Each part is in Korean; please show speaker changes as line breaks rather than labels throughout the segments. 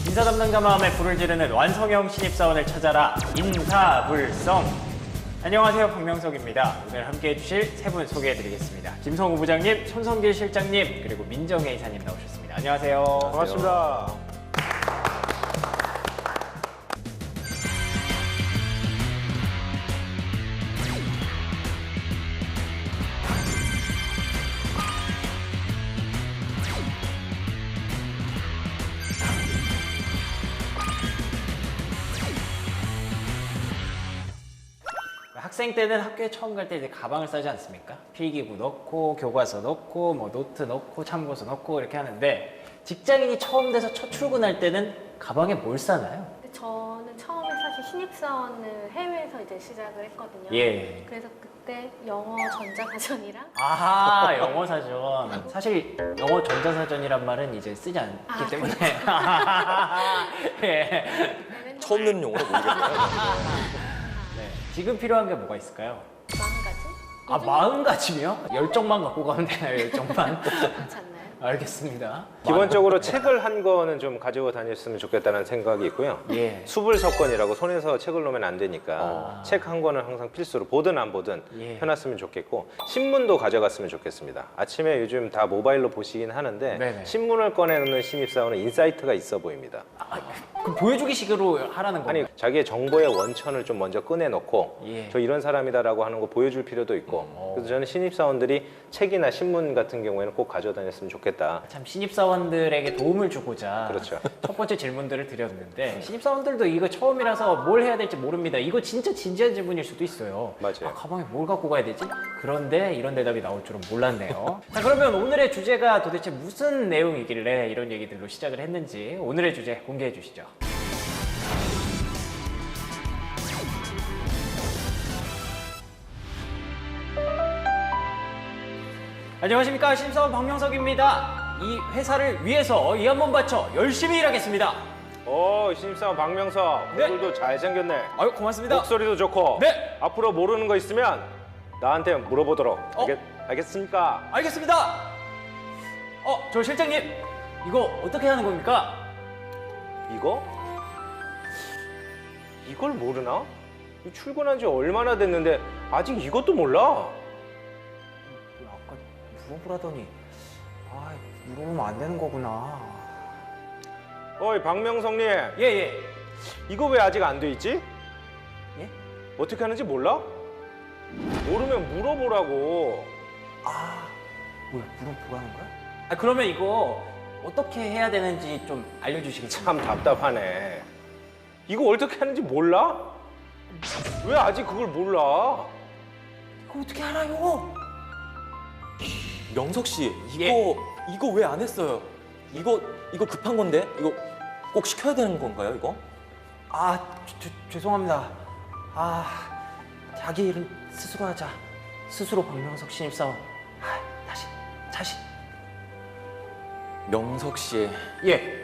인사 담당자 마음에 불을 지르는 완성형 신입사원을 찾아라 인사불성. 안녕하세요, 박명석입니다. 오늘 함께 해주실 세 분 소개해드리겠습니다. 김성우 부장님, 손성길 실장님, 그리고 민정혜 이사님 나오셨습니다. 안녕하세요.
반갑습니다.
학생 때는 학교에 처음 갈 때 이제 가방을 싸지 않습니까? 필기구 넣고, 교과서 넣고, 뭐 노트 넣고, 참고서 넣고 이렇게 하는데 직장인이 처음 돼서 첫 출근할 때는 가방에 뭘 싸나요?
근데 저는 처음에 사실 신입사원을 해외에서 이제 시작을 했거든요.
예.
그래서 그때 영어 전자사전이랑
아하, 영어 사전. 사실 영어 전자사전이란 말은 이제 쓰지 않기 때문에. 예.
처음 듣는 용어로 모르겠네요.
네. 지금 필요한 게 뭐가 있을까요?
마음가짐?
아, 마음가짐이요? 열정만 갖고 가면 되나요, 열정만?
그렇지 않나요?
알겠습니다.
기본적으로 책을 한 거는 좀 가지고 다녔으면 좋겠다는 생각이 있고요.
예.
수불석권이라고 손에서 책을 놓으면 안 되니까 책 한 권은 항상 필수로 보든 안 보든
예.
펴놨으면 좋겠고 신문도 가져갔으면 좋겠습니다. 아침에 요즘 다 모바일로 보시긴 하는데
네네.
신문을 꺼내놓는 신입사원은 인사이트가 있어 보입니다.
그럼 보여주기 식으로 하라는
아니
건가요?
자기의 정보의 원천을 좀 먼저 꺼내놓고
예.
저 이런 사람이다라고 하는 거 보여줄 필요도 있고 그래서 저는 신입사원들이 책이나 신문 같은 경우에는 꼭 가져다녔으면 좋겠다.
참 신입사원들에게 도움을 주고자
그렇죠.
첫 번째 질문들을 드렸는데 신입사원들도 이거 처음이라서 뭘 해야 될지 모릅니다. 이거 진짜 진지한 질문일 수도 있어요.
맞아요.
아, 가방에 뭘 갖고 가야 되지? 그런데 이런 대답이 나올 줄은 몰랐네요. 자, 그러면 오늘의 주제가 도대체 무슨 내용이길래 이런 얘기들로 시작을 했는지 오늘의 주제 공개해 주시죠. 안녕하십니까, 신입사원 박명석입니다. 이 회사를 위해서 이 한 번 바쳐 열심히 일하겠습니다.
신입사원 박명석
네.
얼굴도 잘생겼네.
아유, 고맙습니다.
목소리도 좋고
네.
앞으로 모르는 거 있으면 나한테 물어보도록
어?
알겠습니까?
알겠습니다. 저 실장님, 이거 어떻게 하는 겁니까?
이걸 모르나? 이거 출근한 지 얼마나 됐는데 아직 이것도 몰라?
아까 물어보라더니 물어보면 안 되는 거구나.
어이 박명석님
예.
이거 왜 아직 안 돼 있지?
예?
어떻게 하는지 몰라? 모르면 물어보라고.
뭐야, 물어보라는 거야? 그러면 이거 어떻게 해야 되는지 좀 알려주시겠어요?
참 답답하네. 이거 어떻게 하는지 몰라? 왜 아직 그걸 몰라?
이거 어떻게 알아요?
명석 씨,
예.
이거 왜 안 했어요? 이거 급한 건데? 이거 꼭 시켜야 되는 건가요, 이거?
죄송합니다. 자기 일은 스스로 하자. 스스로 박명석 신입사원. 다시.
명석 씨,
예.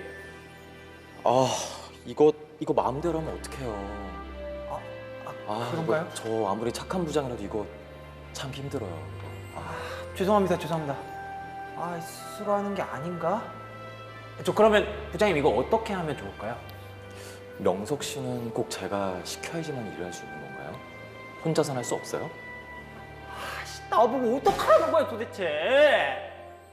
이거 마음대로 하면 어떡해요?
그런가요?
이거 저 아무리 착한 부장이라도 이거 참 힘들어요.
죄송합니다. 스스로 하는 게 아닌가? 그러면 부장님 이거 어떻게 하면 좋을까요?
명석 씨는 꼭 제가 시켜야지만 일을 할 수 있는 건가요? 혼자서는 할 수 없어요?
나보고 어떡하라는 거야 도대체?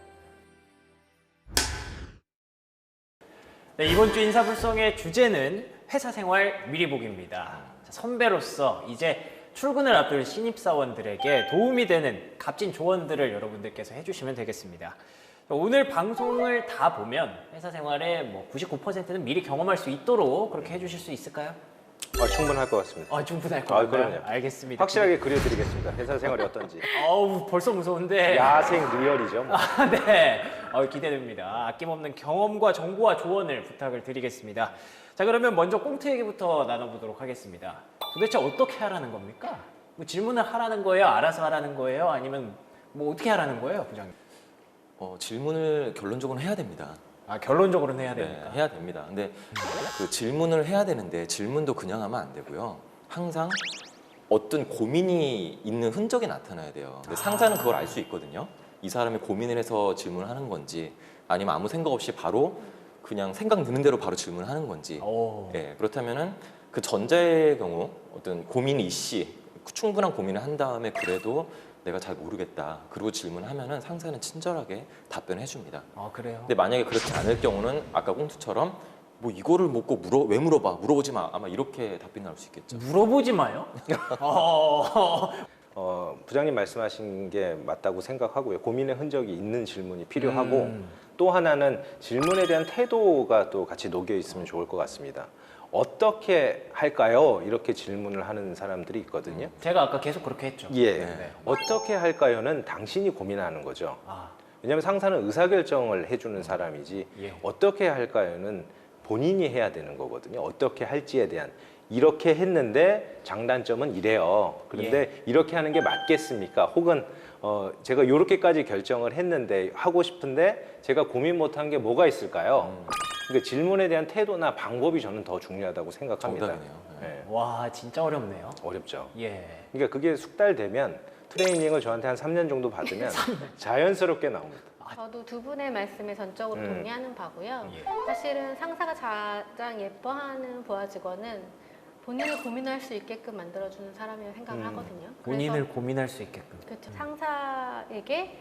네, 이번 주 인사불성의 주제는 회사 생활 미리 보기입니다. 선배로서 이제 출근을 앞둘 신입사원들에게 도움이 되는 값진 조언들을 여러분들께서 해주시면 되겠습니다. 오늘 방송을 다 보면 회사 생활의 뭐 99%는 미리 경험할 수 있도록 그렇게 해주실 수 있을까요?
충분할 것 같습니다.
충분할 것 같아요.
그럼요.
알겠습니다.
확실하게 그려드리겠습니다. 회사 생활이 어떤지.
벌써 무서운데.
야생 리얼이죠. 뭐.
네. 기대됩니다. 아낌없는 경험과 정보와 조언을 부탁을 드리겠습니다. 자, 그러면 먼저 꽁트 얘기부터 나눠보도록 하겠습니다. 도대체 어떻게 하라는 겁니까? 뭐 질문을 하라는 거예요? 알아서 하라는 거예요? 아니면 뭐 어떻게 하라는 거예요, 부장님?
질문을 결론적으로 해야 됩니다.
결론적으로는 해야 됩니까?
네, 해야 됩니다. 근데 그 질문을 해야 되는데 질문도 그냥 하면 안 되고요. 항상 어떤 고민이 있는 흔적이 나타나야 돼요. 근데 상사는 그걸 알 수 있거든요. 이 사람이 고민을 해서 질문을 하는 건지 아니면 아무 생각 없이 바로 그냥 생각 드는 대로 바로 질문하는 건지
오.
예, 그렇다면은 그 전자의 경우 어떤 고민 이씨 충분한 고민을 한 다음에 그래도 내가 잘 모르겠다 그리고 질문하면은 상사는 친절하게 답변해 줍니다.
아 그래요?
근데 만약에 그렇지 않을 경우는 아까 꽁투처럼 뭐 이거를 묻고 왜 물어봐 물어보지 마 아마 이렇게 답변이 나올 수 있겠죠.
물어보지 마요?
부장님 말씀하신 게 맞다고 생각하고요. 고민의 흔적이 있는 질문이 필요하고
음.
또 하나는 질문에 대한 태도가 또 같이 녹여 있으면 좋을 것 같습니다. 어떻게 할까요? 이렇게 질문을 하는 사람들이 있거든요.
제가 아까 계속 그렇게 했죠.
예.
네.
어떻게 할까요는 당신이 고민하는 거죠.
아,
왜냐하면 상사는 의사결정을 해주는 사람이지
예.
어떻게 할까요는 본인이 해야 되는 거거든요. 어떻게 할지에 대한 이렇게 했는데 장단점은 이래요. 그런데 이렇게 하는 게 맞겠습니까? 혹은 제가 이렇게까지 결정을 했는데 하고 싶은데 제가 고민 못한 게 뭐가 있을까요? 그러니까 질문에 대한 태도나 방법이 저는 더 중요하다고 생각합니다.
정답이네요.
네.
와 진짜 어렵네요.
어렵죠.
예.
그러니까 그게 숙달되면 트레이닝을 저한테 한 3년 정도 받으면 자연스럽게 나옵니다.
저도 두 분의 말씀에 전적으로 동의하는 바고요.
예.
사실은 상사가 가장 예뻐하는 부하 직원은 본인을 고민할 수 있게끔 만들어주는 사람이라고 생각을 하거든요.
본인을 고민할 수 있게끔.
그렇죠. 상사에게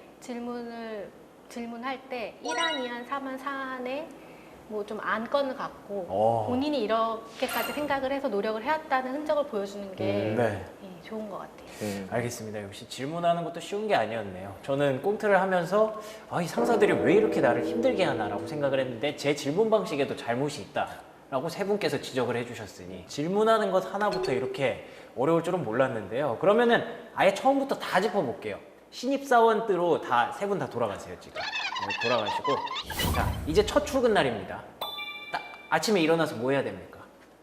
질문할 때 1안, 2안, 3안, 4안에 뭐 좀 안건을 갖고 본인이 이렇게까지 생각을 해서 노력을 해왔다는 흔적을 보여주는 게
네.
예, 좋은 것 같아요.
알겠습니다. 역시 질문하는 것도 쉬운 게 아니었네요. 저는 꽁트를 하면서 이 상사들이 왜 이렇게 나를 힘들게 하나라고 생각을 했는데 제 질문 방식에도 잘못이 있다라고 세 분께서 지적을 해주셨으니 질문하는 것 하나부터 이렇게 어려울 줄은 몰랐는데요. 그러면은 아예 처음부터 다 짚어볼게요. 신입사원으로 다 세 분 다 돌아가세요 지금. 돌아가시고 자 이제 첫 출근 날입니다. 딱 아침에 일어나서 뭐 해야 됩니까?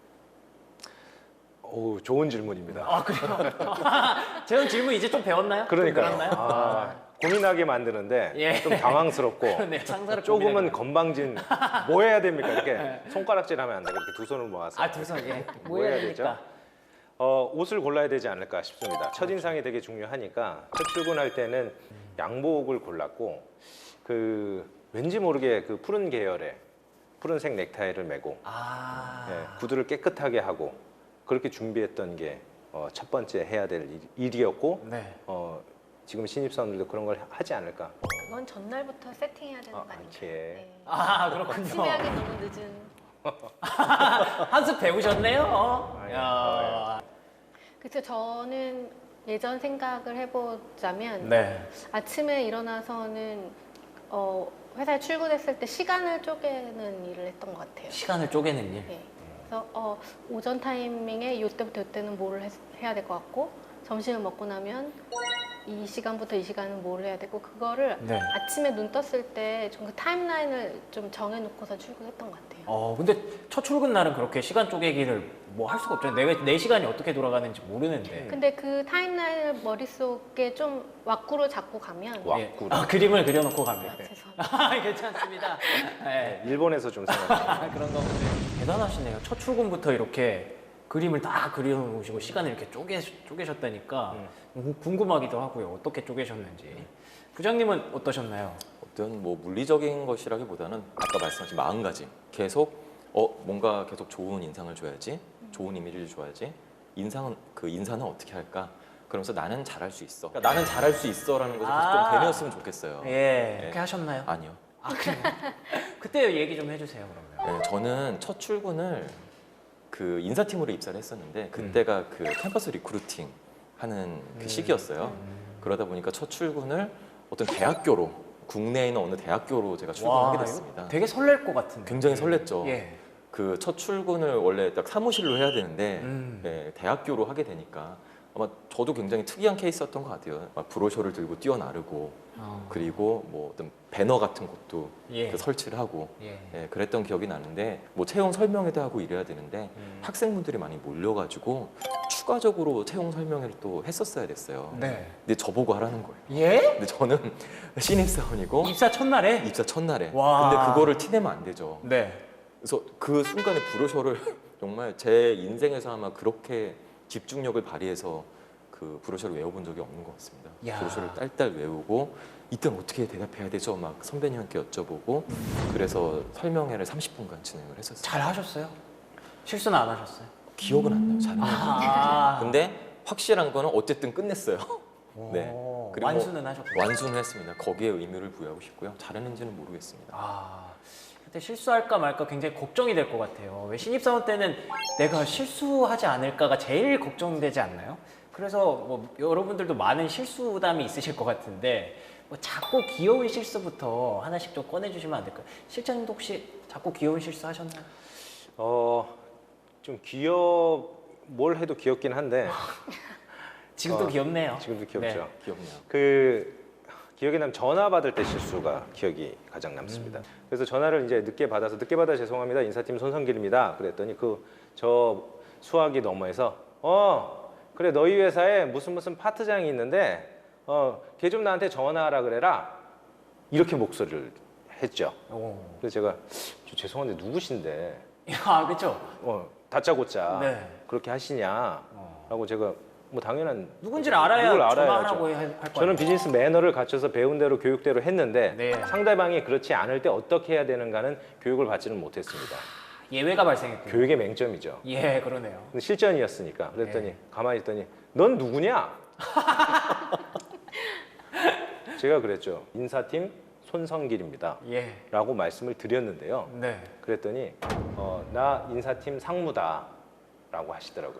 오, 좋은 질문입니다.
아 그래요? 재현 질문 이제 좀 배웠나요?
그러니까요.
좀 늘었나요?
고민하게 만드는데
예.
좀 당황스럽고
그러네요. 상사를
조금은
고민하게
건방진 뭐 해야 됩니까? 이렇게 손가락질하면 안 돼. 이렇게 두 손을 모아서
아, 두 손, 예.
뭐 해야 되죠? 옷을 골라야 되지 않을까 싶습니다. 첫인상이 되게 중요하니까 첫 출근할 때는 양복을 골랐고 왠지 모르게 그 푸른 계열의 푸른색 넥타이를 메고 구두를 깨끗하게 하고 그렇게 준비했던 게 첫 번째 해야 될 일이었고
네.
지금 신입사원들도 그런 걸 하지 않을까.
그건 전날부터 세팅해야 되는 거 아닌가요?
이렇게.
네.
아, 그렇군요.
심하게 너무 늦은.
한수 배우셨네요.
아유,
야.
그래서 저는 예전 생각을 해보자면
네.
아침에 일어나서는 회사에 출근했을 때 시간을 쪼개는 일을 했던 것 같아요.
시간을 쪼개는 일.
네. 그래서 오전 타이밍에 이때부터 이때는 뭐를 해야 될 것 같고 점심을 먹고 나면 이 시간부터 이 시간은 뭘 해야 되고 그거를
네.
아침에 눈 떴을 때 좀 그 타임라인을 좀 정해놓고서 출근했던 것 같아요.
근데 첫 출근 날은 그렇게 시간 쪼개기를 뭐 할 수가 없잖아요. 내 시간이 어떻게 돌아가는지 모르는데.
근데 그 타임라인을 머릿속에 좀 왁구로 잡고 가면
왁구로.
그림을 그려놓고 갑니다.
죄송합니다.
괜찮습니다. 네.
일본에서 좀 생각해요.
그런 거 대단하시네요. 첫 출근부터 이렇게 그림을 다 그려놓으시고 시간을 이렇게 쪼개셨다니까 궁금하기도 하고요. 어떻게 쪼개셨는지. 부장님은 어떠셨나요?
어떤 뭐 물리적인 것이라기보다는 아까 말씀하신 마음가짐 계속 뭔가 계속 좋은 인상을 줘야지 좋은 이미지를 줘야지 인사는 어떻게 할까 그러면서 나는 잘할 수 있어 그러니까 나는 잘할 수 있어라는 것을 계속 좀 되뇌었으면 좋겠어요.
예. 그렇게 하셨나요?
아니요.
아 그래요? 그때 얘기 좀 해주세요 그러면.
네, 저는 첫 출근을 그 인사팀으로 입사를 했었는데 그때가 그 캠퍼스 리크루팅 하는 그 시기였어요. 그러다 보니까 첫 출근을 어떤 대학교로 국내에 있는 어느 대학교로 제가 출근하게 됐습니다.
되게 설렐 것 같은데.
굉장히 설렜죠.
예.
그 첫 출근을 원래 딱 사무실로 해야 되는데
음.
네, 대학교로 하게 되니까 아마 저도 굉장히 특이한 케이스였던 것 같아요. 막 브로셔를 들고 뛰어나르고 그리고 뭐 어떤 배너 같은 것도
예.
그 설치를 하고
예.
예, 그랬던 기억이 나는데 뭐 채용 설명회도 하고 이래야 되는데 학생분들이 많이 몰려가지고 추가적으로 채용 설명회를 또 했었어야 됐어요.
네.
근데 저보고 하라는 거예요.
예?
근데 저는 신입사원이고
입사 첫날에?
입사 첫날에
와.
근데 그거를 티내면 안 되죠.
네.
그래서 그 순간에 브로셔를 정말 제 인생에서 아마 그렇게 집중력을 발휘해서 그 브로셔를 외워본 적이 없는 것 같습니다.
야.
브로셔를 딸딸 외우고 이때는 어떻게 대답해야 되죠? 막 선배님한테 여쭤보고 그래서 설명회를 30분간 진행을 했었어요.
잘 하셨어요? 실수는 안 하셨어요?
기억은 안 나요. 잘은.
아,
근데 확실한 거는 어쨌든 끝냈어요. 네.
오,
그리고
완수는 하셨군요.
완수는 했습니다. 거기에 의미를 부여하고 싶고요. 잘했는지는 모르겠습니다.
아, 그때 실수할까 말까 굉장히 걱정이 될 것 같아요. 왜 신입사원 때는 내가 실수하지 않을까가 제일 걱정되지 않나요? 그래서 뭐 여러분들도 많은 실수담이 있으실 것 같은데 뭐 작고 귀여운 실수부터 하나씩 좀 꺼내주시면 안 될까요? 실장님도 혹시 작고 귀여운 실수 하셨나요?
좀 뭘 해도 귀엽긴 한데
지금도 귀엽네요.
지금도 귀엽죠.
네.
기억나요.
기억에 남는 전화 받을 때 실수가 기억이 가장 남습니다. 그래서 전화를 이제 늦게 받아서 늦게 받아 죄송합니다. 인사팀 손성길입니다. 그랬더니 저 수화기 너머에서 그래 너희 회사에 무슨 파트장이 있는데 걔 좀 나한테 전화하라 그래라 이렇게 목소리를 했죠.
오.
그래서 제가 죄송한데 누구신데
아, 그렇죠.
다짜고짜
네.
그렇게 하시냐라고 제가 뭐 당연한
누군지를 알아야
누굴
전화하라고 할 거예요.
저는 비즈니스 매너를 갖춰서 배운 대로 교육대로 했는데
네.
상대방이 그렇지 않을 때 어떻게 해야 되는가는 교육을 받지는 못했습니다.
예외가 발생했군요.
교육의 맹점이죠.
예, 그러네요.
근데 실전이었으니까 그랬더니
네.
가만히 있더니 넌 누구냐? 제가 그랬죠. 인사팀 손성길입니다.
예.
라고 말씀을 드렸는데요.
네.
그랬더니 나 인사팀 상무다 라고 하시더라고요.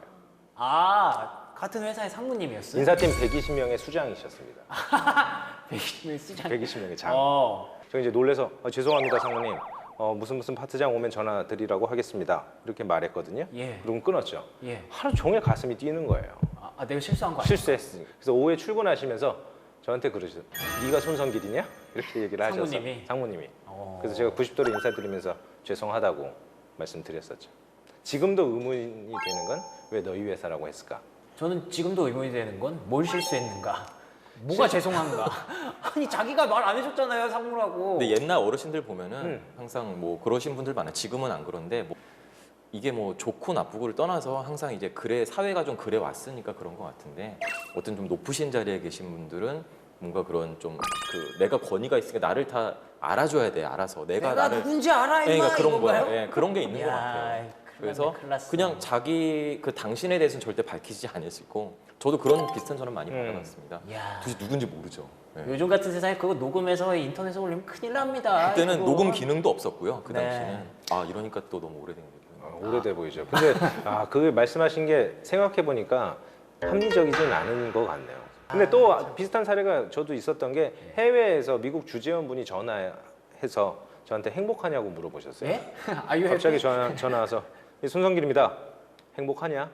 아, 같은 회사의 상무님이었어요?
인사팀 120명의 수장이셨습니다.
120명 쓰자.
120명의 장.
어.
저 이제 놀래서 죄송합니다 상무님. 무슨 파트장 오면 전화 드리라고 하겠습니다. 이렇게 말했거든요.
예.
그럼 끊었죠.
예.
하루 종일 가슴이 뛰는 거예요.
내가 실수한 거 아니야?
실수했으니까. 그래서 오후에 출근하시면서 저한테 그러시죠. 네가 손성길이냐? 이렇게 얘기를 하셔서 상무님이. 그래서 제가 90도로 인사드리면서 죄송하다고 말씀드렸었죠. 지금도 의문이 되는 건 왜 너희 회사라고 했을까?
저는 지금도 의문이 되는 건 뭘 실수했는가? 뭐가 죄송한가? 아니 자기가 말 안 해줬잖아요 상무라고.
근데 옛날 어르신들 보면은 항상 뭐 그러신 분들 많아요. 지금은 안 그런데 뭐 이게 뭐 좋고 나쁘고를 떠나서 항상 이제 그래 사회가 좀 그래 왔으니까 그런 것 같은데 어떤 좀 높으신 자리에 계신 분들은 뭔가 그런 좀 내가 권위가 있으니까 나를 다 알아줘야 돼. 알아서 내가 나를
누군지 알아 임마
그러니까 그런
이건가요?
거야. 예, 그런 게 있는 것
이야,
같아요.
큰일
그래서
났네, 큰일 났어.
그냥 자기 당신에 대해서는 절대 밝히지 않으시고 저도 그런 비슷한 전화 많이 받아봤습니다.
이야.
도대체 누군지 모르죠. 예.
요즘 같은 세상에 그거 녹음해서 인터넷에 올리면 큰일 납니다.
그때는
이거.
녹음 기능도 없었고요. 그
네.
당시는 이러니까 또 너무 오래된 거예요.
오래돼 보이죠. 근데 그 말씀하신 게 생각해 보니까 합리적이진 않은 것 같네요. 근데 또 비슷한 사례가 저도 있었던 게 해외에서 미국 주재원분이 전화해서 저한테 행복하냐고 물어보셨어요.
예? 아유
갑자기 전화 와서 손성길입니다. 행복하냐?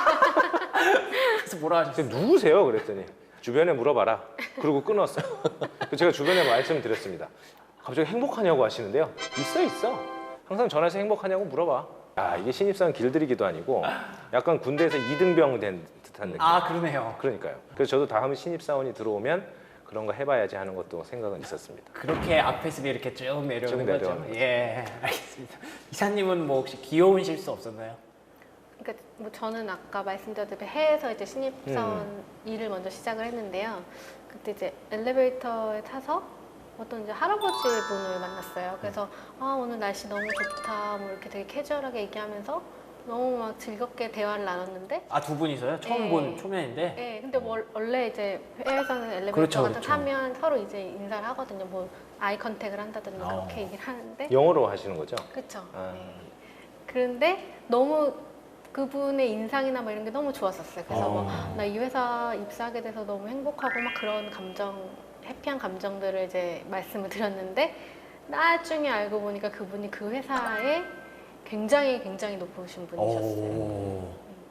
그래서 뭐라 하셨어요?
근데 누구세요? 그랬더니 주변에 물어봐라. 그리고 끊었어요. 제가 주변에 말씀드렸습니다. 갑자기 행복하냐고 하시는데요. 있어. 항상 전화해서 행복하냐고 물어봐. 이게 신입사원 길들이기도 아니고 약간 군대에서 이등병 된 듯한 느낌.
그러네요.
그러니까요. 그래서 저도 다음 신입사원이 들어오면 그런 거 해봐야지 하는 것도 생각은 있었습니다.
그렇게 앞에서 이렇게 쭉 내려오는
쭉
거죠.
내려오는
예, 알겠습니다. 이사님은 뭐 혹시 귀여운 실수 없었나요?
그러니까 뭐 저는 아까 말씀드렸듯이 해외에서 이제 신입사원 일을 먼저 시작을 했는데요. 그때 이제 엘리베이터에 타서 어떤 이제 할아버지 분을 만났어요. 그래서 오늘 날씨 너무 좋다, 뭐 이렇게 되게 캐주얼하게 얘기하면서 너무 막 즐겁게 대화를 나눴는데.
두 분이서요? 처음
네.
본 초면인데.
네, 근데 원래 이제 해외에서는 엘리베이터
그렇죠,
같은
그렇죠.
타면 서로 이제 인사를 하거든요. 뭐 아이 컨택을 한다든지 그렇게 얘기를 하는데.
영어로 하시는 거죠?
그렇죠.
아.
네. 그런데 너무 그분의 인상이나 뭐 이런 게 너무 좋았었어요. 그래서 나 이 회사 입사하게 돼서 너무 행복하고 막 그런 해피한 감정들을 이제 말씀을 드렸는데 나중에 알고 보니까 그분이 그 회사에 굉장히 높으신 분이셨어요.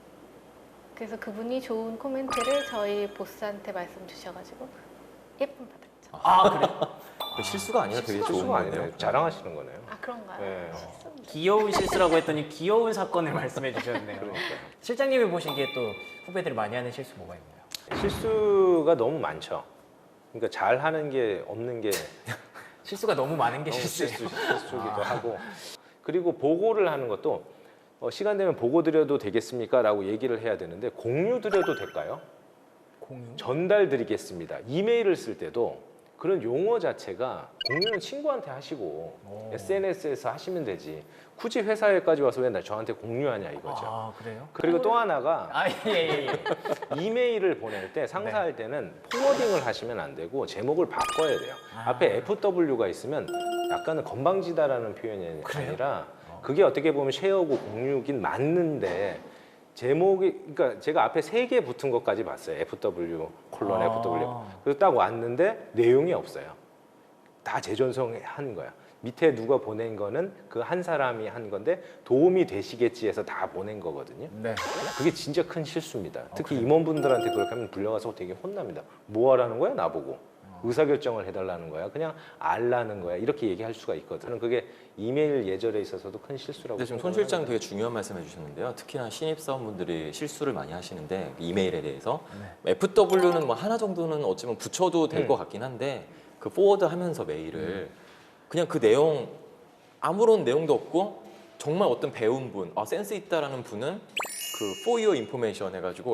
그래서 그분이 좋은 코멘트를 저희 보스한테 말씀 주셔가지고 예쁨 받았죠.
그래요?
실수가 아니라 되게 좋은
실수가 아니네요.
거네요.
자랑하시는 거네요.
그런가요?
네.
실수입니다.
귀여운 실수라고 했더니 귀여운 사건을 말씀해 주셨네요.
그러니까요.
실장님이 보시기에 또 후배들이 많이 하는 실수 뭐가 있나요?
실수가 너무 많죠. 그러니까 잘하는 게 없는 게
실수가 너무 많은 게
너무
실수예요.
실수기도 하고 그리고 보고를 하는 것도 시간 되면 보고 드려도 되겠습니까? 라고 얘기를 해야 되는데 공유 드려도 될까요?
공유?
전달 드리겠습니다. 이메일을 쓸 때도 그런 용어 자체가 공유는 친구한테 하시고 SNS에서 하시면 되지. 굳이 회사에까지 와서 왜 저한테 공유하냐 이거죠.
아, 그래요?
그리고 또 하나가
아, 예.
이메일을 보낼 때 상사할 때는 포워딩을 하시면 안 되고 제목을 바꿔야 돼요. 앞에 FW가 있으면 약간은 건방지다라는 표현이 아니라 그게 어떻게 보면 쉐어고 공유긴 맞는데 제목이 그러니까 제가 앞에 3개 붙은 것까지 봤어요. FW 콜론 FW. 그래서 딱 왔는데 내용이 없어요. 다 재전송한 거야. 밑에 누가 보낸 거는 그 한 사람이 한 건데 도움이 되시겠지 해서 다 보낸 거거든요.
네.
그게 진짜 큰 실수입니다. 특히 임원분들한테 그렇게 하면 불려가서 되게 혼납니다. 뭐 하라는 거야 나보고. 의사결정을 해달라는 거야. 그냥 알라는 거야. 이렇게 얘기할 수가 있거든요. 저는 그게 이메일 예절에 있어서도 큰 실수라고
근데 지금 손 실장 되게 중요한 말씀해 주셨는데요. 특히나 신입사원분들이 실수를 많이 하시는데 이메일에 대해서 FW는 뭐 하나 정도는 어찌보면 붙여도 될 것 같긴 한데 그 포워드 하면서 메일을 그냥 그 내용 아무런 내용도 없고 정말 어떤 배운 분, 센스 있다라는 분은 그 for your information 해가지고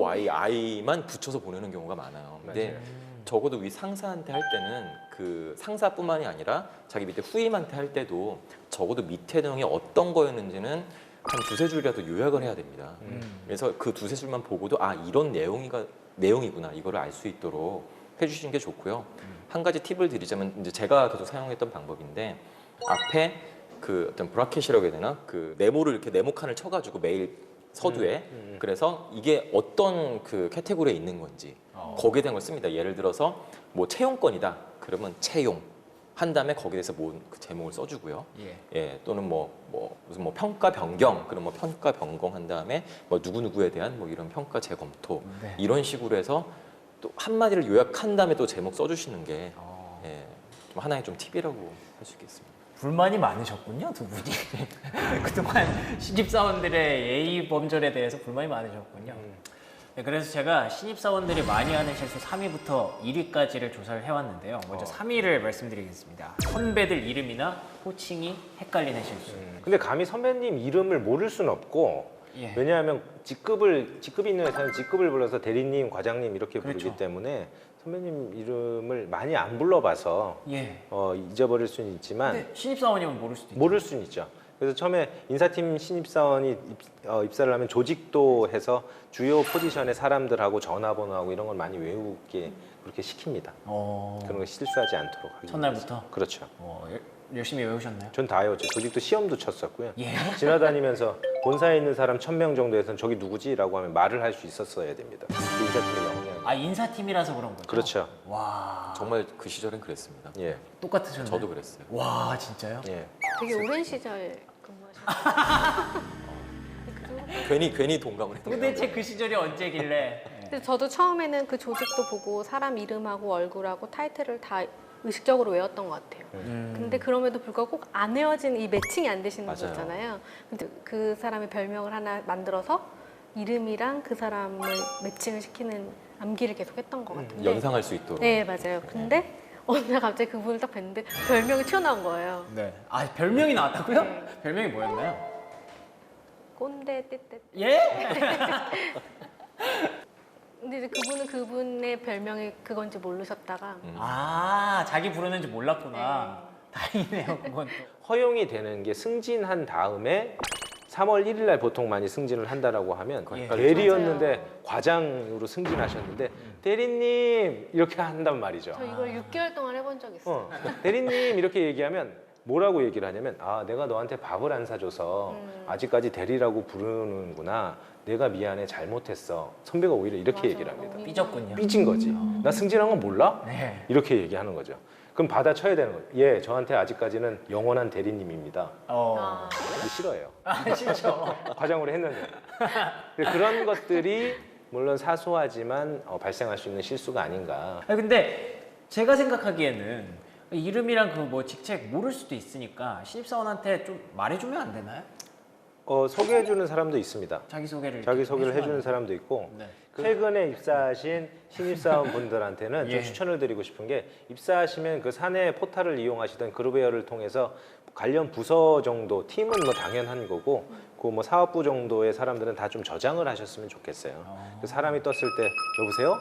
FYI만 붙여서 보내는 경우가 많아요. 근데 적어도 위 상사한테 할 때는 그 상사뿐만이 아니라 자기 밑에 후임한테 할 때도 적어도 밑에 내용이 어떤 거였는지는 한 두세 줄이라도 요약을 해야 됩니다. 그래서 그 두세 줄만 보고도 이런 내용이구나 이거를 알 수 있도록 해주시는 게 좋고요. 한 가지 팁을 드리자면 이제 제가 계속 사용했던 방법인데 앞에 그 어떤 브라켓이라고 해야 되나 그 네모를 이렇게 네모 칸을 쳐가지고 메일 서두에 그래서 이게 어떤 그 캐테고리에 있는 건지 거기에 대한 걸 씁니다. 예를 들어서 뭐 채용권이다 그러면 채용 한 다음에 거기에 대해서 그 제목을 써주고요. 또는 무슨 평가 변경 그럼 뭐 평가 변경 한 다음에 뭐 누구누구에 대한 뭐 이런 평가 재검토 이런 식으로 해서 또 한마디를 요약한 다음에 또 제목 써주시는 게 좀 하나의 좀 팁이라고 할 수 있겠습니다.
불만이 많으셨군요, 두 분이. 그동안 신입사원들의 예의 범절에 대해서 불만이 많으셨군요. 네, 그래서 제가 신입사원들이 많이 하는 실수 3위부터 1위까지를 조사를 해왔는데요. 먼저 3위를 말씀드리겠습니다. 선배들 이름이나 호칭이 헷갈리는 실수.
근데 감히 선배님 이름을 모를 수는 없고 왜냐하면 직급이 있는 회사는 직급을 불러서 대리님, 과장님 이렇게 부르기 때문에 선배님 이름을 많이 안 불러봐서 잊어버릴 수는 있지만
근데 신입사원이면 모를 수도 있죠.
모를 수는 있죠. 그래서 처음에 인사팀 신입사원이 입사를 하면 조직도 해서 주요 포지션의 사람들하고 전화번호하고 이런 걸 많이 외우게 그렇게 시킵니다. 그런 거 실수하지 않도록 하기
첫날부터?
위해서. 그렇죠.
열심히 외우셨나요?
전 다 외웠죠. 조직도 시험도 쳤었고요.
예.
지나다니면서 본사에 있는 사람 1000명 정도에서는 저기 누구지? 라고 하면 말을 할 수 있었어야 됩니다. 그 인사팀의 영향이.
인사팀이라서 그런 거죠?
그렇죠.
와,
정말 그 시절엔 그랬습니다.
예.
똑같으셨나요?
저도 그랬어요.
와, 진짜요?
예.
되게 오랜 시절 근무하셨어요.
괜히 동감을 했던
도대체 그 시절이 언제길래?
근데 저도 처음에는 그 조직도 보고 사람 이름하고 얼굴하고 타이틀을 다 의식적으로 외웠던 것 같아요. 근데 그럼에도 불구하고 꼭 안 외워진 이 매칭이 안 되시는 거
맞아요.
있잖아요. 근데 그 사람의 별명을 하나 만들어서 이름이랑 그 사람을 매칭을 시키는 암기를 계속 했던 것 같은데.
연상할 수 있도록.
네, 맞아요. 근데 어느 날 갑자기 그분을 딱 뵀는데 별명이 튀어나온 거예요.
네. 별명이 나왔다고요?
네.
별명이 뭐였나요?
꼰대 떼떼.
예?
근데 이제 그분은 그분의 별명이 그건지 모르셨다가
자기 부르는지 몰랐구나. 다행이네요, 그건 또.
허용이 되는 게 승진한 다음에 3월 1일 날 보통 많이 승진을 한다라고 하면
예.
대리였는데
맞아요.
과장으로 승진하셨는데 대리님 이렇게 한단 말이죠.
저 이걸 6개월 동안 해본 적 있어요.
대리님 이렇게 얘기하면 뭐라고 얘기를 하냐면 내가 너한테 밥을 안 사줘서 아직까지 대리라고 부르는구나. 내가 미안해 잘못했어. 선배가 오히려 이렇게
맞아,
얘기를 합니다.
너무
삐졌군요.
삐진 거지. 나 승진한 건 몰라?
네.
이렇게 얘기하는 거죠. 그럼 받아쳐야 되는 거예요. 예, 저한테 아직까지는 영원한 대리님입니다.
아,
이게 싫어요.
진짜.
과장으로 했는데. 그런 것들이 물론 사소하지만 발생할 수 있는 실수가 아닌가.
근데 제가 생각하기에는 이름이랑 그 뭐 직책 모를 수도 있으니까 신입사원한테 좀 말해주면 안 되나요?
소개해주는 사람도 있습니다.
자기소개를
자기소개를
해주면
해주는
안
사람도 있고
네.
최근에 입사하신 신입사원 분들한테는 좀
예.
추천을 드리고 싶은 게 입사하시면 그 사내 포탈을 이용하시던 그룹웨어를 통해서 관련 부서 정도 팀은 뭐 당연한 거고 그 뭐 사업부 정도의 사람들은 다 좀 저장을 하셨으면 좋겠어요. 그 사람이 떴을 때 여보세요?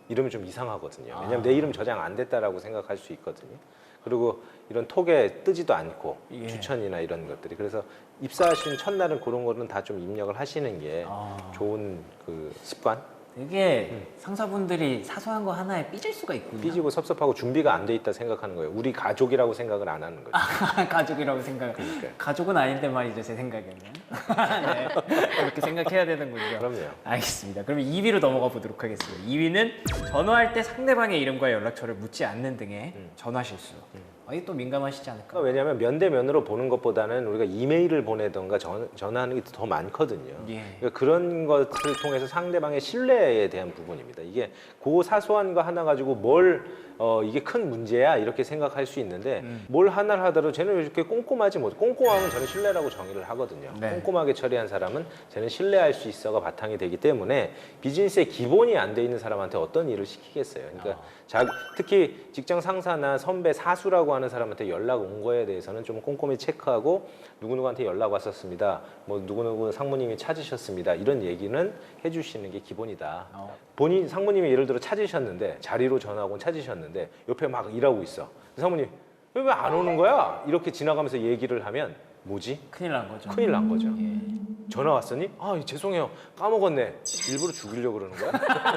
이러면 좀 이상하거든요. 왜냐면 내 이름 저장 안 됐다라고 생각할 수 있거든요. 그리고 이런 톡에 뜨지도 않고
예.
추천이나 이런 것들이. 그래서 입사하신 첫날은 그런 거는 다 좀 입력을 하시는 게 좋은 그 습관.
되게 상사분들이 사소한 거 하나에 삐질 수가 있군요.
삐지고 섭섭하고 준비가 안 돼 있다 생각하는 거예요. 우리 가족이라고 생각을 안 하는 거죠.
가족이라고 생각.
그러니까요.
가족은 아닌데 말이죠, 제 생각에는. 네. 그렇게 생각해야 되는군요.
그럼요.
알겠습니다. 그럼 2위로 넘어가 보도록 하겠습니다. 2위는 전화할 때 상대방의 이름과 연락처를 묻지 않는 등의 전화 실수. 이게 또 민감하시지 않을까?
그러니까 왜냐하면 면대면으로 보는 것보다는 우리가 이메일을 보내던가 전화하는 게 더 많거든요.
예.
그러니까 그런 것을 통해서 상대방의 신뢰에 대한 부분입니다. 이게 그 사소한 거 하나 가지고 이게 큰 문제야 이렇게 생각할 수 있는데 뭘 하나를 하더라도 쟤는 왜 이렇게 꼼꼼하지 못해. 꼼꼼하면 저는 신뢰라고 정의를 하거든요.
네.
꼼꼼하게 처리한 사람은 쟤는 신뢰할 수 있어가 바탕이 되기 때문에 비즈니스의 기본이 안 돼 있는 사람한테 어떤 일을 시키겠어요. 그러니까 특히 직장 상사나 선배 사수라고 하는 사람한테 연락 온 거에 대해서는 좀 꼼꼼히 체크하고 누구누구한테 연락 왔었습니다. 뭐 누구누구 상무님이 찾으셨습니다. 이런 얘기는 해주시는 게 기본이다. 본인 상무님이 예를 들어 찾으셨는데 자리로 전화하고 찾으셨는데 옆에 막 일하고 있어. 상무님 왜 안 오는 거야? 이렇게 지나가면서 얘기를 하면 뭐지?
큰일 난 거죠.
큰일 난 거죠.
예.
전화 왔었니? 아 죄송해요 까먹었네. 일부러 죽이려고 그러는 거야?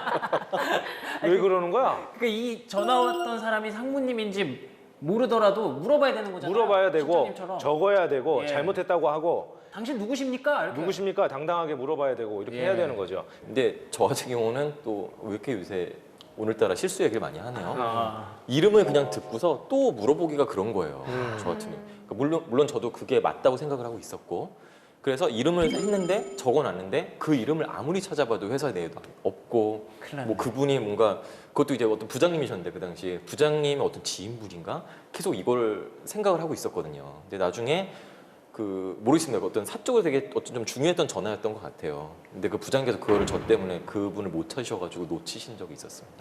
왜 그러는 거야?
그러니까 이 전화 왔던 사람이 상무님인지 모르더라도 물어봐야 되는 거잖아요.
물어봐야 되고
실장님처럼.
적어야 되고
예.
잘못했다고 하고
당신 누구십니까? 이렇게.
누구십니까? 당당하게 물어봐야 되고 이렇게
예.
해야 되는 거죠.
근데 저 같은 경우는 또 왜 이렇게 요새 오늘따라 실수 얘기를 많이 하네요.
아,
이름을 그냥 듣고서 또 물어보기가 그런 거예요. 저 같은 경우. 그러니까 물론 저도 그게 맞다고 생각을 하고 있었고, 그래서 이름을 했는데 적어놨는데 그 이름을 아무리 찾아봐도 회사 내에도 없고,
큰일 났네.
뭐 그분이 뭔가 그것도 이제 어떤 부장님이셨는데 그 당시에 부장님의 어떤 지인분인가 계속 이걸 생각을 하고 있었거든요. 근데 나중에 그 모르겠습니다. 어떤 사적으로 되게 어떤 좀 중요했던 전화였던 것 같아요. 근데 그 부장님께서 그거를 저 때문에 그분을 못 찾으셔가지고 놓치신 적이 있었습니다.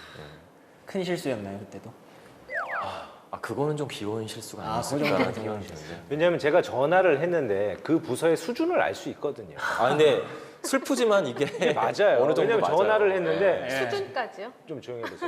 큰 실수였나요 그때도?
아 그거는 좀 귀여운 실수가
아, 그
아니었을까
정도는
생각이
귀여운
드는데.
왜냐하면 제가 전화를 했는데 그 부서의 수준을 알 수 있거든요.
아 근데 슬프지만 이게
맞아요.
어느 정도
왜냐면
맞아요.
전화를 했는데
예.
수준까지요?
좀 조용히 해보세요.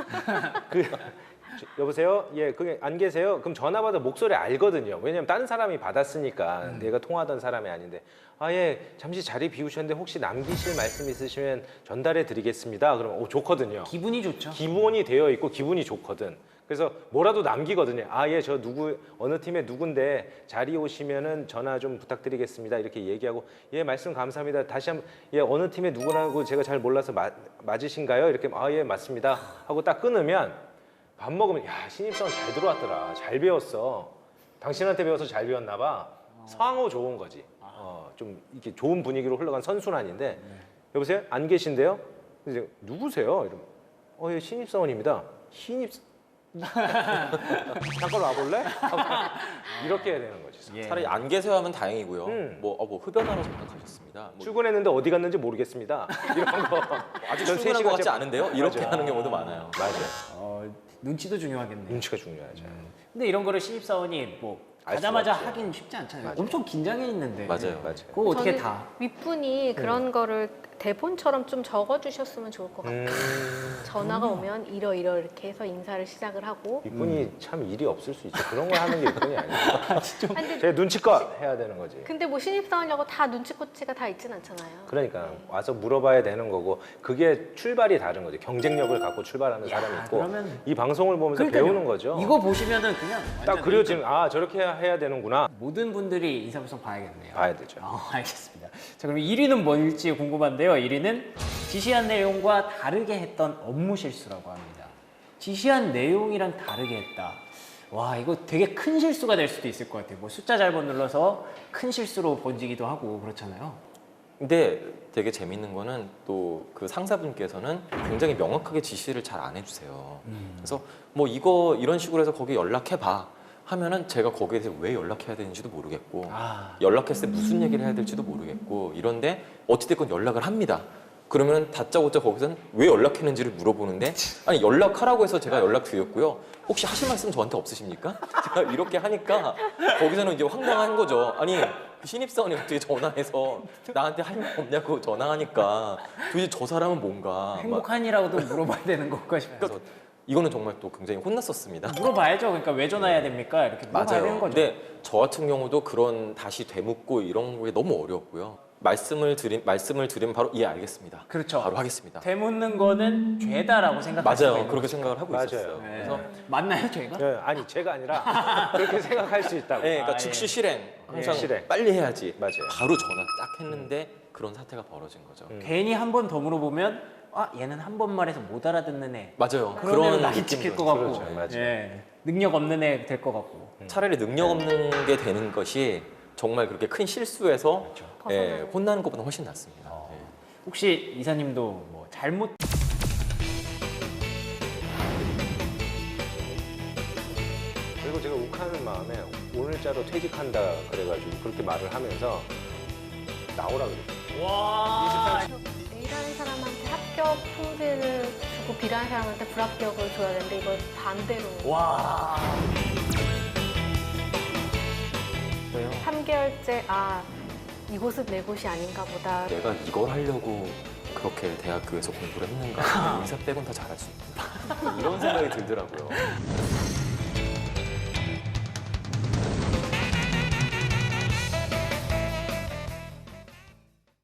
여보세요? 예, 그게 안 계세요? 그럼 전화 받아 목소리 알거든요. 왜냐면 다른 사람이 받았으니까 내가 통화하던 사람이 아닌데 아, 예, 잠시 자리 비우셨는데 혹시 남기실 말씀 있으시면 전달해 드리겠습니다. 그러면 좋거든요.
기분이 좋죠.
기본이 되어 있고 기분이 좋거든. 그래서 뭐라도 남기거든요. 아, 예, 저 어느 팀에 누군데 자리 오시면은 전화 좀 부탁드리겠습니다. 이렇게 얘기하고 예, 말씀 감사합니다. 다시 한번 예, 어느 팀에 누구라고 제가 잘 몰라서 맞으신가요? 이렇게 아, 예, 맞습니다. 하고 딱 끊으면 밥 먹으면 야, 신입사원 잘 들어왔더라. 잘 배웠어. 당신한테 배워서 잘 배웠나 봐. 상호 좋은 거지. 좀 이렇게 좋은 분위기로 흘러간 선순환인데 여보세요? 안 계신데요? 이제 누구세요? 이러면 예, 신입사원입니다. 잠깐 와볼래? 이렇게 해야 되는 거지.
예.
차라리 안 계세요 하면 다행이고요.
음.
뭐 흡연하러 잠깐 가셨습니다. 뭐
출근했는데 어디 갔는지 모르겠습니다. 이런 거.
아직
전
출근한 것 같지
제-
않은데요? 이렇게
맞아요.
하는 경우도 많아요.
맞아요.
눈치도 중요하겠네요.
눈치가 중요하죠.
근데 이런 거를 신입사원이 뭐
알 수가
가자마자
없죠.
하긴 쉽지 않잖아요.
맞아요.
엄청 긴장해 있는데.
맞아요.
맞아요.
그거 어떻게
저는
다?
윗분이 그런 거를 대본처럼 좀 적어주셨으면 좋을 것 같아요. 전화가 오면 이렇게 해서 인사를 시작을 하고.
이분이 참 일이 없을 수 있죠. 그런 걸 하는 게 이분이 아니에요.
아니, 근데,
제 눈치껏 해야 되는 거지.
근데 뭐 신입사원이라고 다 눈치코치가 다 있진 않잖아요.
그러니까 와서 물어봐야 되는 거고 그게 출발이 다른 거죠. 경쟁력을 갖고 출발하는
야,
사람이 있고
그러면-
이 방송을 보면서
그러니까요.
배우는 거죠.
이거 보시면은 그냥
딱
완전
그려지는 아 저렇게 해야 되는구나
모든 분들이 인사불성 봐야겠네요.
봐야 되죠.
알겠습니다. 자, 그럼 1위는 뭘지 궁금한데요. 1위는 지시한 내용과 다르게 했던 업무 실수라고 합니다. 지시한 내용이랑 다르게 했다. 와, 이거 되게 큰 실수가 될 수도 있을 것 같아요. 뭐 숫자 잘못 눌러서 큰 실수로 번지기도 하고 그렇잖아요.
근데 되게 재밌는 거는 또 그 상사분께서는 굉장히 명확하게 지시를 잘 안 해주세요. 그래서 뭐 이런 식으로 해서 거기 연락해봐 하면은 제가 거기에 대해서 왜 연락해야 되는지도 모르겠고 연락했을 때 무슨 얘기를 해야 될지도 모르겠고 이런데 어찌됐건 연락을 합니다. 그러면 다짜고짜 거기서는 왜 연락했는지를 물어보는데 아니 연락하라고 해서 제가 연락드렸고요. 혹시 하실 말씀 저한테 없으십니까? 제가 이렇게 하니까 거기서는 이제 황당한 거죠. 아니 그 신입사원이 갑자기 전화해서 나한테 할 말 없냐고 전화하니까 도대체 저 사람은 뭔가 막
행복하니라고도 물어봐야 되는 것까 싶어서
그래서 이거는 정말 또 굉장히 혼났었습니다.
물어봐야죠. 그러니까 왜 전화해야 됩니까? 이렇게 물어봐야 되는 거죠.
근데 저 같은 경우도 그런 다시 되묻고 이런 게 너무 어려웠고요. 말씀을 드리면 바로 예 알겠습니다.
그렇죠.
바로 하겠습니다.
되묻는 거는 죄다라고 생각할 수가
맞아요.
있는
그렇게 생각을 하고
맞아요.
있었어요.
네.
그래서
맞나요, 죄가?
네, 아니 제가 아니라 그렇게 생각할 수 있다고.
네, 그러니까
아,
즉시
예.
실행 항상
실행.
빨리 해야지.
맞아요.
바로 전화 딱 했는데 그런 사태가 벌어진 거죠.
괜히 한 번 더 물어보면 아 얘는 한 번 말해서 못 알아듣는 애.
맞아요.
그런 나이
느낌도
찍힐 것 같고,
그렇죠, 맞아요.
예. 능력 없는 애 될 것 같고.
차라리 능력 없는 게 되는 것이 정말 그렇게 큰 실수에서 예, 혼나는 것보다 훨씬 낫습니다. 예.
혹시 이사님도 뭐 잘못
그리고 제가 욱하는 마음에 오늘자로 퇴직한다 그래가지고 그렇게 말을 하면서 나오라 그랬어요.
와
A라는 사람한테 합격 통지를 주고 B라는 사람한테 불합격을 줘야 되는데 이걸 반대로
와.
3개월째 아 이곳은 내 곳이 아닌가 보다.
내가 이걸 하려고 그렇게 대학교에서 공부를 했는가? 인사 빼곤 다 잘할 수 있구나. 이런 생각이 들더라고요.